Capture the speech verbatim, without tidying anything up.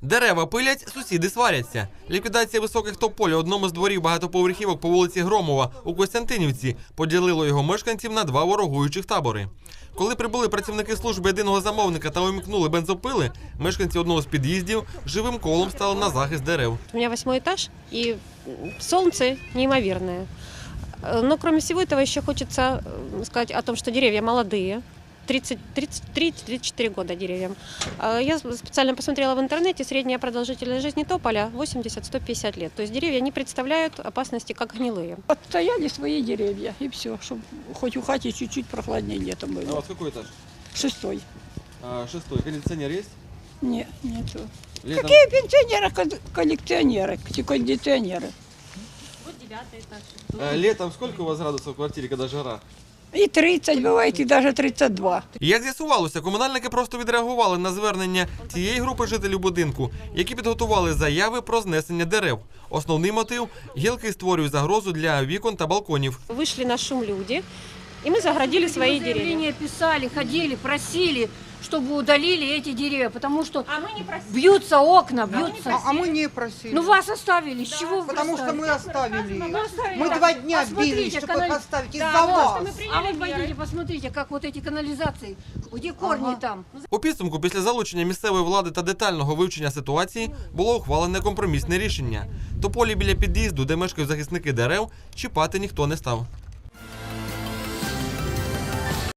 Дерева пилять, сусіди сваряться. Ліквідація високих тополь у одному з дворів багатоповерхівок по вулиці Громова у Костянтинівці поділило його мешканців на два ворогуючих табори. Коли прибули працівники служби єдиного замовника та умікнули бензопили, мешканці одного з під'їздів живим колом стали на захист дерев. У меня восьмой этаж, и солнце неимоверное. Но кроме всего этого еще хочется сказать о том, что деревья молодые. тридцать, тридцать три — тридцать четыре года деревьям. Я специально посмотрела в интернете, средняя продолжительность жизни тополя восемьдесят — сто пятьдесят лет. То есть деревья не представляют опасности, как гнилые. Отстояли свои деревья, и все, чтобы хоть у хати чуть-чуть прохладнее летом было. А у вас какой этаж? Шестой. А, шестой. Кондиционер есть? Нет, нету. Летом... Какие пенсионеры, коллекционеры, кондиционеры? Вот девятый этаж. А, летом сколько у вас градусов в квартире, когда жара? И тридцать бывает, и даже тридцать два. Як з'ясувалося, комунальники просто відреагували на звернення цієї групи жителів будинку, які підготували заяви про знесення дерев. Основний мотив – гілки створюють загрозу для вікон та балконів. Вышли на шум люди, и мы загородили свои деревья. Заявления писали, ходили, просили, чтобы удалили эти деревья, потому что А мы не просили. бьются окна, бьются. А, а мы не просили. Ну вас оставили, с чего вы Потому что оставили? мы оставили Мы их. оставили. Мы два дня Посмотрите, бились, чтобы канали- их оставить Да, из-за вот, вас. что мы А вот приняли меры. пойдите, посмотрите, как вот эти канализации, где корни Ага. там. У підсумку, після залучення місцевої влади та детального вивчення ситуації, було ухвалене компромісне рішення. Тополі біля під'їзду, де мешкають захисники дерев, чіпати ніхто не став.